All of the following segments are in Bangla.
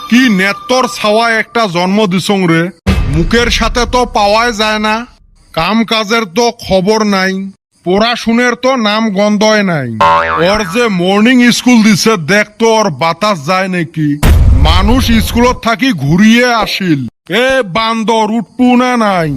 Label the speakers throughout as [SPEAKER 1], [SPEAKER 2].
[SPEAKER 1] কি নেত্তর ছাওয়া একটা জন্ম দিছং রে, মুখের সাথে তো পাওয়াই যায় না, কাম কাজের তো খবর নাই, পড়াশুনের তো নাম গন্ধই নাই। ওর যে মর্নিং স্কুল দিছে দেখতো ওর বাতাস যায় নাকি, মানুষ স্কুলত থাকি ঘুরিয়ে আসিল। এ বান্দর উঠপু না নাই?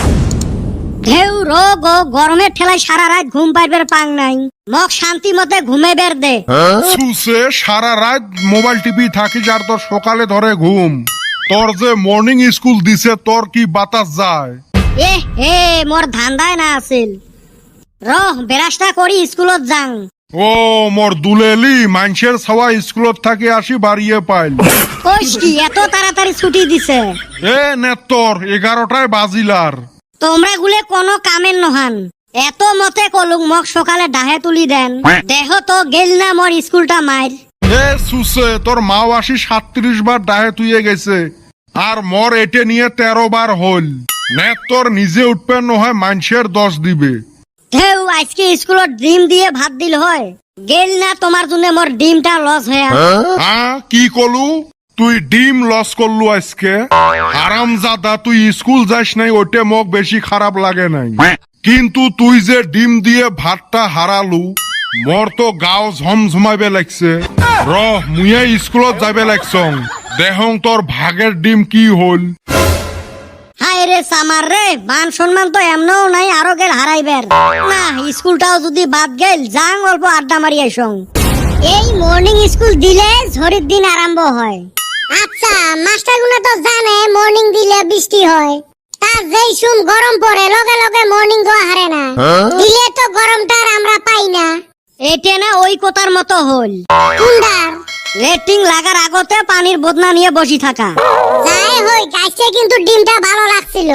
[SPEAKER 2] ঢেউ রোগ ও গরমের ঠেলায় সারা রাত ঘুম পাইবার পাং নাই, মক শান্তি মতে ঘুমেবের দে।
[SPEAKER 1] সুসে সারা রাত মোবাইল টিপি থাকিস আর তোর সকালে ধরে ঘুম। তোর যে মর্নিং স্কুল দিছে তোর কি বাতাস যায়?
[SPEAKER 2] এ হে মোর ধান্দায় না আছিল, রহ বেরাসটা করি স্কুলত যাং।
[SPEAKER 1] ও মোর দুলেলি মানুষের ছাওয়া স্কুলত থাকি আসি বাড়িয়ে পাইল।
[SPEAKER 2] কইস কি এত তাড়াতাড়ি ছুটি দিছে?
[SPEAKER 1] এ নেত্তর 11টায় বাজিলার।
[SPEAKER 2] তোমরা গুলে কোনো কামের নহান, এত মতে কলুক মক সকালে ডাহে তুলি দেন, দেহ তো গেল না মোর স্কুলটা মাইর।
[SPEAKER 1] এ সুসে তোর মাও আসি 37 বার ডাহে তুইয়ে গেছে, আর মোর এটে নিয়ে 13 বার হল। নেত্তর নিজে উঠবে নহয় মানুষের 10 দিবে।
[SPEAKER 2] ঢেউ আজকে স্কুলত ডিম দিয়ে ভাত দিল হয়, গেল না তোমার জন্য মোর ডিমটা লস হয়ে।
[SPEAKER 1] হ্যাঁ কি কলু, তুই ডিম লস করলু আজকে? হারামজাদা তুই স্কুল যাস নাই ওইটা মোক বেশি খারাপ লাগে নাই, কিন্তু তুই যে ডিম দিয়ে ভাতটা হারালু মোর তো গাও ঝমঝমাইবে লাগছে। রহ মুয়ে স্কুলত যাবে লাগছং, দেহং তোর ভাগের ডিম কি হল।
[SPEAKER 2] হায় রে সামার রে, মান সম্মান তো এমনও নাই আরো গেল হারাইবের না। স্কুলটাও যদি বাদ গেল যাং অল্প আড্ডা মারি আইসং। এই মর্নিং স্কুল দিলে ঝড়ির দিন আরম্ভ হয়।
[SPEAKER 3] আচ্ছা মাস্টার গুলো তো জানে মর্নিং দিলে বৃষ্টি হয়, তার যেই সুম গরম পড়ে লগে লগে মর্নিং গো হারে না, দিলে তো গরমটা আর আমরা পাই না।
[SPEAKER 2] এটা না ওই কথার মতো হল,
[SPEAKER 3] কুন্ডার
[SPEAKER 2] রেটিং লাগার আগতে পানির বদনা নিয়ে বসি থাকা।
[SPEAKER 3] যাই হই গাইছে কিন্তু ডিমটা ভালো লাগছিল,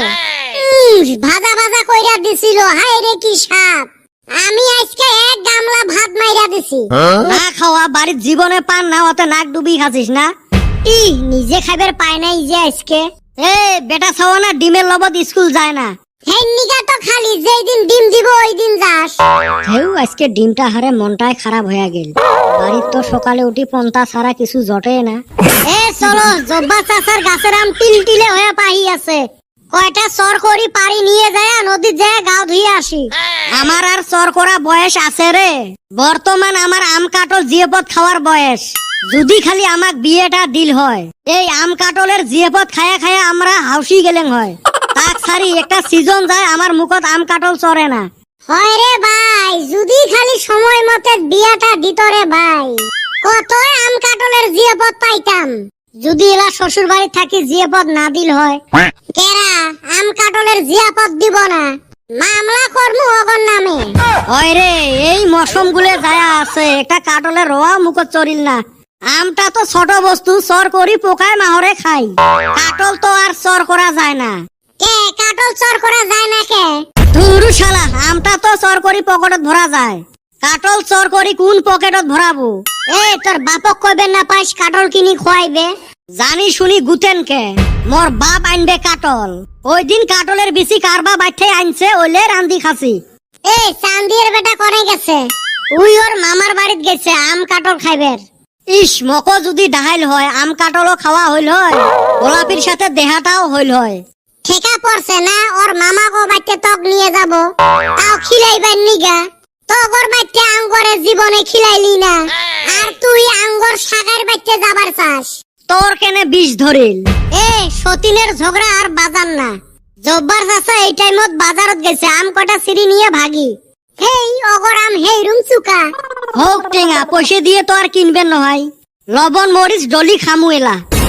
[SPEAKER 3] ভাজা ভাজা কইরা দিছিল। হায় রে কি স্বাদ, আমি আজকে এক গামলা ভাত মাইরা দিছি।
[SPEAKER 2] না খাওয়া বাড়ির জীবনে পান না, অত নাক ডুবি খাচ্ছিস না।
[SPEAKER 3] ই নিজে খাইবার পায় নাই যে আজকে।
[SPEAKER 2] এ বেটা ছাওয়া না ডিমের লবত স্কুল যায় না।
[SPEAKER 3] হেই নিগা তো খালি যেই দিন ডিম দিব ওই দিন যাস।
[SPEAKER 2] ঢেউ আজকে ডিমটা হারে মনটাই খারাপ হয়ে গেল, বাড়ির তো সকালে উঠি পন্তা ছাড়া কিছু জটে না।
[SPEAKER 3] এ চলো জব্বা চাচার গাছের আম টিলটিলে হয়ে পাহি আছে, কয়টা সর করি পারি নিয়ে যায় নদীর যায় গাও ধুয়ে আসি।
[SPEAKER 2] আমার আর সর করা বয়স আছে রে, বর্তমান আমার আম কাটল জিয়েপদ খাওয়ার বয়স। যদি খালি আমাক বিয়েটা দিল হয়, এই আম কাটলের জিয়েপদ খায়া খায়া আমরা হাউসি গেলেন হয়। তাক সারি একটা সিজন যায় আমার মুখত আম কাটল চরে না।
[SPEAKER 3] হয় রে ভাই, যদি খালি সময় মতে বিয়াটা দিত রে ভাই, কত আম কাটলের জিয়াপদ পাইতাম।
[SPEAKER 2] যদি এলা শ্বশুর বাড়ি থাকি জিয়েপদ না দিল হয়,
[SPEAKER 3] কেরা আম কাটলের জিয়াপদ দিব না, মামলা করমু অগর নামে।
[SPEAKER 2] হয় রে এই মৌসুম গুলে যায় আছে, একটা কাটলের রোয়া মুখত চরিল না। আমটা তো ছোট বস্তু, সর করি পোকায় মাহরে খাই, কাটল তো আর সর করা যায় না।
[SPEAKER 3] কে কাটল চর করা যায় না কে?
[SPEAKER 2] ধুরু শালা, আমটা তো চর করি পকেটত ভরা যায়, কাটল চর করি কোন পকেটত ভরাবো?
[SPEAKER 3] এ তোর বাপক কইবেন না পাইস কাটল কিনি খোয়াইবে?
[SPEAKER 2] জানি শুনি গুতেন কে, মোর বাপ আনবে কাটল। ওই দিন কাটলের বিচি কারবা বাইঠে আনছে, ওলে রান্দি খাসি।
[SPEAKER 3] এ চান্দির বেটা করে গেছে,
[SPEAKER 2] উই ওর মামার বাড়িত গেছে আম কাটল খাইবের। ইস মকো যদি ডাহাইল হয় আম কাটলও খাওয়া হইল হয়, গোলাপির সাথে দেহাটাও হইল হয়।
[SPEAKER 3] ঠেকা পড়ছে না ওর মামা গো বাইতে তক নিয়ে যাব, তাও খিলাইবার নিগা। তগর বাইতে আঙ্গরে জীবনে খিলাইলি না, আর তুই আঙ্গর সাগার বাইতে যাবার চাস।
[SPEAKER 2] তোর কেনে বিষ ধরিল?
[SPEAKER 3] এ সতীনের ঝগড়া আর বাজার না, জব্বার চাচা এই টাইমত বাজারত গেছে আম কটা সিঁড়ি নিয়ে ভাগি। হেই অগর আম হেই রুম চুকা।
[SPEAKER 2] হোক টেঙা পয়সা দিয়ে তো আর কিনবেন নহয়, লবণ মরিচ ডলি খামু এলা।